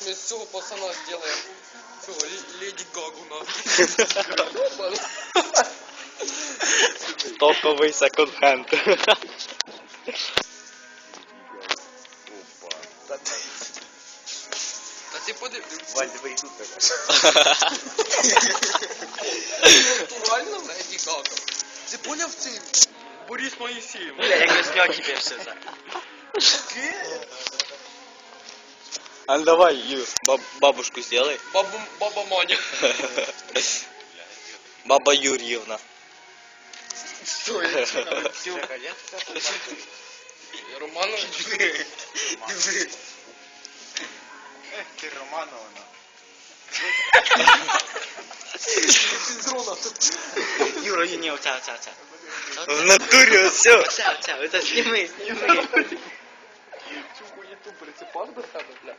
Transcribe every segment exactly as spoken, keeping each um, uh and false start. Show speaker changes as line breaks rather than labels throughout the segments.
Мы с цього пацана сделаем цього Леди Гагу нахуй.
Топовий секонд-хенд.
Та ти подивись.
Валь, давай тут так.
Натурально Леді Гага. Ти поняв цей Борис Моїсеєв?
Бля, я не снял тебе все это.
А ну давай, Юр, баб бабушку сделай.
Баба, баба Маня.
Баба Юрьевна.
Що я чекаю? Романович.
Ты Романовна. Юра, не, оця, оця, оця.
В натуре все.
Оця, оця, оця, сніми, сніми.
Цю хуєту прицепав до себе, бля.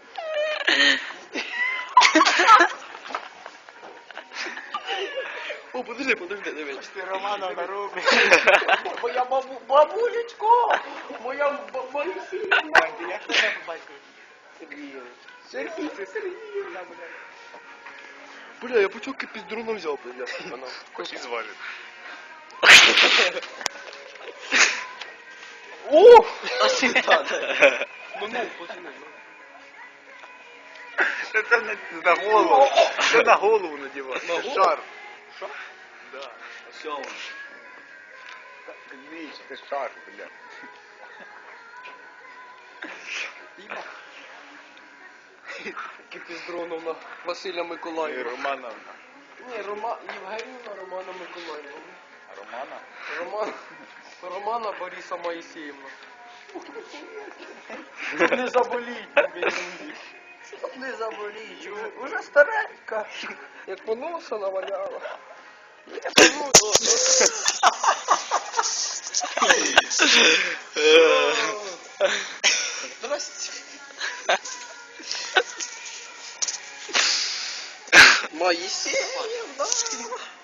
О, подожди, подожди, дивись.
Ти Романовна робиш.
Моя бабу, бабулечко! Моя ба- Моїсеївна!
Вань, ти як тебе по батькові?
Сергійович. Сергій, це Сергіївна, бля. Бля, я путівки піздруном взяв, бля. Вона.
Хоч і зважить.
О! Ну, ну, пацани.
Це на, на голову. Це на голову надівати.
На
Це
голову?
шар.
Шар?
Да.
Все.
Віч, це шар, бля.
Піздроновна Василя
І
Миколаївна.
Романовна.
Ні, Рома... Євгенівна Романа Миколаївна.
Романа?
Роман... Романа Бориса Моїсеївна. Не заболіть, тобі, не заболіть. Уже старенька. Як поноса наваляла. Не поноса. Здрасте. Моїсеївна.